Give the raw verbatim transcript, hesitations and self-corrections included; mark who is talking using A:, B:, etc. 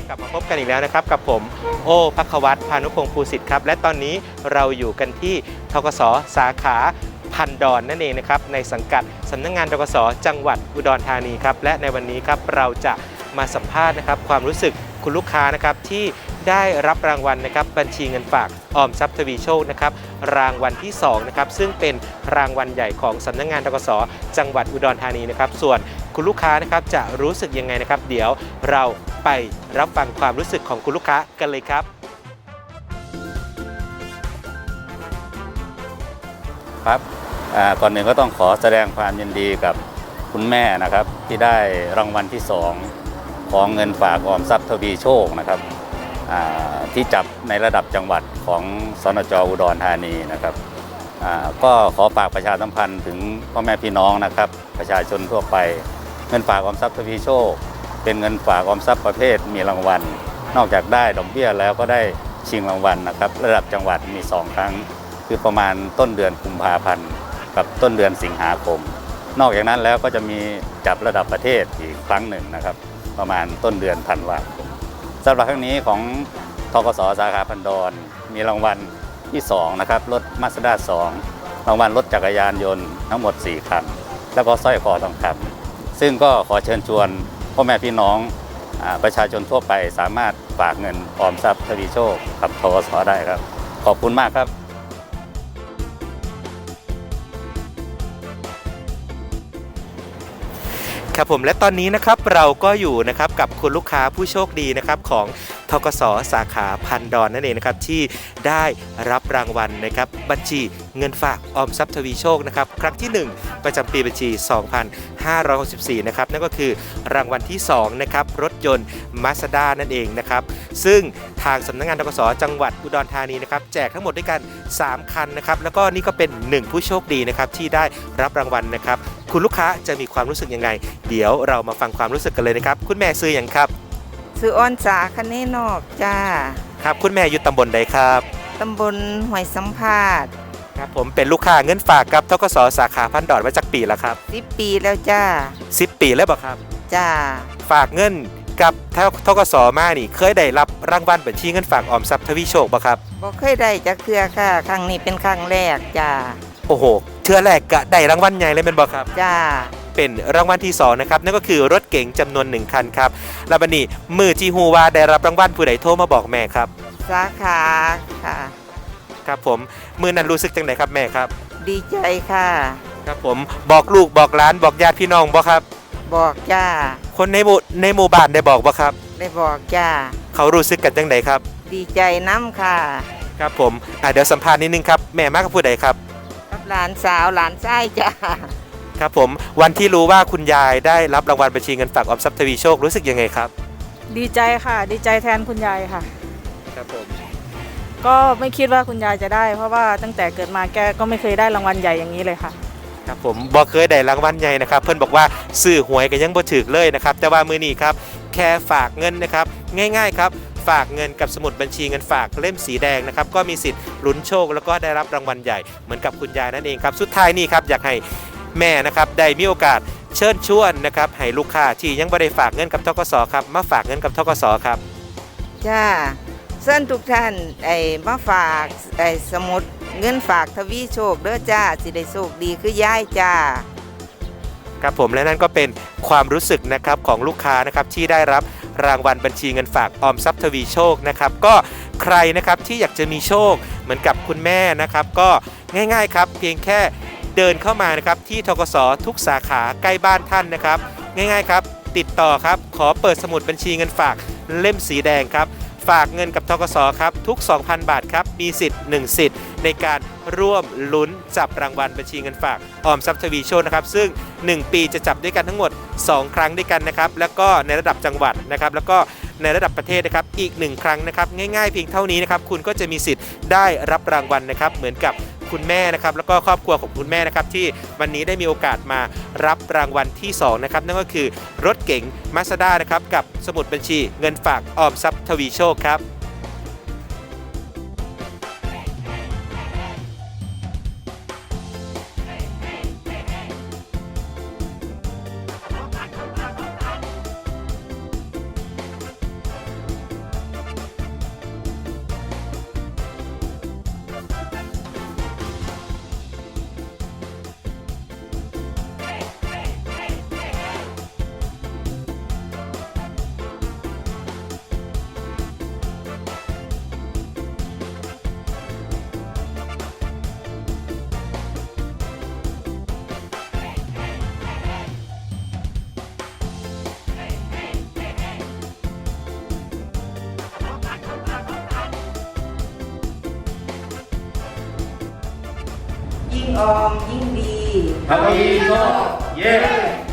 A: กลับมาพบกันอีกแล้วนะครับกับผมโอ้ภัควัตรพานุพงศ์ภูสิทธิ์ครับและตอนนี้เราอยู่กันที่ธกส.สาขาพันดอนนั่นเองนะครับในสังกัดสำนักงานธกส.จังหวัดอุดรธานีครับและในวันนี้ครับเราจะมาสัมภาษณ์นะครับความรู้สึกคุณลูกค้านะครับที่ได้รับรางวัลนะครับบัญชีเงินฝากออมทรัพย์ทวีโชคนะครับรางวัลที่สองนะครับซึ่งเป็นรางวัลใหญ่ของสำนักงานธกส.จังหวัดอุดรธานีนะครับส่วนคุณลูกค้านะครับจะรู้สึกยังไงนะครับเดี๋ยวเราไปรับฟังความรู้สึกของคุณลูกค้ากันเลยครับ
B: ครับก่อนหนึ่งก็ต้องขอแสดงความยินดีกับคุณแม่นะครับที่ได้รางวัลที่สองของเงินฝากออมทรัพย์ทวีโชคนะครับที่จับในระดับจังหวัดของสนจ.อุดรธานีนะครับก็ขอฝากประชาสัมพันธ์ถึงพ่อแม่พี่น้องนะครับประชาชนทั่วไปเงินฝากออมทรัพย์ทวีโชคเป็นเงินฝากออมทรัพย์ประเภทมีรางวัลนอกจากได้ดอกเบี้ยแล้วก็ได้ชิงรางวัลนะครับระดับจังหวัดมีสองครั้งคือประมาณต้นเดือนกุมภาพันธ์กับต้นเดือนสิงหาคมนอกจากนั้นแล้วก็จะมีจับระดับประเทศอีกครั้งหนึ่งนะครับประมาณต้นเดือนธันวาคมสำหรับครั้งนี้ของธกส.สาขาพันดอนมีรางวัลที่สองนะครับรถมาสด้าสองรางวัลรถจักรยานยนต์ทั้งหมดสี่คันแล้วก็สร้อยคอทองคำซึ่งก็ขอเชิญชวนพ่อแม่พี่น้องประชาชนทั่วไปสามารถฝากเงินออมทรัพย์ทวีโชคกับธกส.ได้ครับขอบคุณมากครับ
A: ครับผมและตอนนี้นะครับเราก็อยู่นะครับกับคุณลูกค้าผู้โชคดีนะครับของธกส.สาขาพันดอนนั่นเองนะครับที่ได้รับรางวัลนะครับบัญชีเงินฝากออมทรัพย์ทวีโชคนะครับครั้งที่หนึ่งประจำปีบัญชีสองพันห้าร้อยหกสิบสี่นะครับนั่นก็คือรางวัลที่สองนะครับรถยนต์ Mazda นั่นเองนะครับซึ่งทางสำนักงานธกส.จังหวัดอุดรธานีนะครับแจกทั้งหมดด้วยกันสามคันนะครับแล้วก็นี่ก็เป็นหนึ่งผู้โชคดีนะครับที่ได้รับรางวัลนะครับคุณลูกค้าจะมีความรู้สึกยังไงเดี๋ยวเรามาฟังความรู้สึกกันเลยนะครับคุณแม่ซื้ออย่างครับ
C: ซื้ออ้อนสาคะเนนอกจ้า
A: ครับคุณแม่อยู่ตำบลใดครับ
C: ตำบลห้วยสัมภาษณ์
A: ครับผมเป็นลูกค้าเงินฝากกับธกส.สาขาพันดอนมาจากปีแล้วครับ
C: สิบปีแล้วจ้า
A: สิบปีแล้วบ่ครับ
C: จ้า
A: ฝากเงินกับธกส.มานี่เคยได้รับรางวัลบัญชีเงินฝากออมทรัพย์ทวีโชคบ่ครับ
C: บ่เคยได้จักเทื่อค่ะครั้งนี้เป็นครั้งแรกจ้า
A: โอ้โหเทื่อแรกก็ได้รางวัลใหญ่เลยเป็นบ่ครับ
C: จ้า
A: เป็นรางวัลที่สองนะครับนั่นก็คือรถเก๋งจำนวนหนึ่งคันครับแล้วบัดนี้มือจีฮูว่าได้รับรางวัลผู้ใดโทรมาบอกแม่ครับ
C: สาขาค่ะ
A: ครับผมมือนั้นรู้สึกจังไดครับแม่ครับ
C: ดีใจค่ะ
A: ครับผมบอกลูกบอกหลานบอกญาติพี่น้องบ่ครับ
C: บอกจ้า
A: คนในหมู่ในหมู่บ้านได้บอกบ่ครับ
C: ได้บอกจ้า
A: เขารู้สึกกันจังไดครับ
C: ดีใจน้ำค่ะ
A: ครับผมอ่ะเดี๋ยวสัมภาษณ์นิดนึงครับแม่มากับผู้ใดครับ
C: กับหลานสาวหลานชายจ้า
A: ครับผมวันที่รู้ว่าคุณยายได้รับรางวัลบัญชีเงินฝากออมทรัพย์ทวีโชครู้สึกยังไงครับ
D: ดีใจค่ะดีใจแทนคุณยายค่ะ
A: ครับผม
D: ก็ไม่คิดว่าคุณยายจะได้เพราะว่าตั้งแต่เกิดมาแกก็ไม่เคยได้รางวัลใหญ่อย่างนี้เลยค่ะ
A: ครับผมบ่เคยได้รางวัลใหญ่นะครับเพื่อนบอกว่าซื้อหวยก็ยังบ่ถึกเลยนะครับแต่ว่ามื้อนี้ครับแค่ฝากเงินนะครับง่ายๆครับฝากเงินกับสมุดบัญชีเงินฝากเล่มสีแดงนะครับก็มีสิทธิ์ลุ้นโชคแล้วก็ได้รับรางวัลใหญ่เหมือนกับคุณยายนั่นเองครับสุดท้ายนี่ครับอยากให้แม่นะครับได้มีโอกาสเชิญชวนนะครับให้ลูกค้าที่ยังไม่ได้ฝากเงินกับธกส.ครับมาฝากเงินกับธกส.ครับ
C: จ้าเชิญทุกท่านไอ้มาฝากไอ้สมุดเงินฝากทวีโชคเด้อจ้าสิได้โชคดีคือยายจ้า
A: ครับผมและนั่นก็เป็นความรู้สึกนะครับของลูกค้านะครับที่ได้รับรางวัลบัญชีเงินฝากออมทรัพย์ทวีโชคนะครับก็ใครนะครับที่อยากจะมีโชคเหมือนกับคุณแม่นะครับก็ง่ายๆครับเพียงแค่เดินเข้ามานะครับที่ธกส.ทุกสาขาใกล้บ้านท่านนะครับง่ายๆครับติดต่อครับขอเปิดสมุดบัญชีเงินฝากเล่มสีแดงครับฝากเงินกับธกส.ครับทุก สองพัน บาทครับมีสิทธิ์หนึ่งสิทธิ์ในการร่วมลุ้นจับรางวัลบัญชีเงินฝากออมทรัพย์ทวีโชคนะครับซึ่งหนึ่งปีจะจับด้วยกันทั้งหมดสองครั้งด้วยกันนะครับแล้วก็ในระดับจังหวัดนะครับแล้วก็ในระดับประเทศนะครับอีกหนึ่งครั้งนะครับง่ายๆเพียงเท่านี้นะครับคุณก็จะมีสิทธิ์ได้รับรางวัลนะครับเหมือนกับคุณแม่นะครับแล้วก็ครอบครัวของคุณแม่นะครับที่วันนี้ได้มีโอกาสมารับรางวัลที่สองนะครับนั่นก็คือรถเก๋ง Mazda นะครับกับสมุดบัญชีเงินฝากออมทรัพย์ทวีโชคครับ
C: ยิ่งออมยิ่งดี
B: ทวีโชคเย้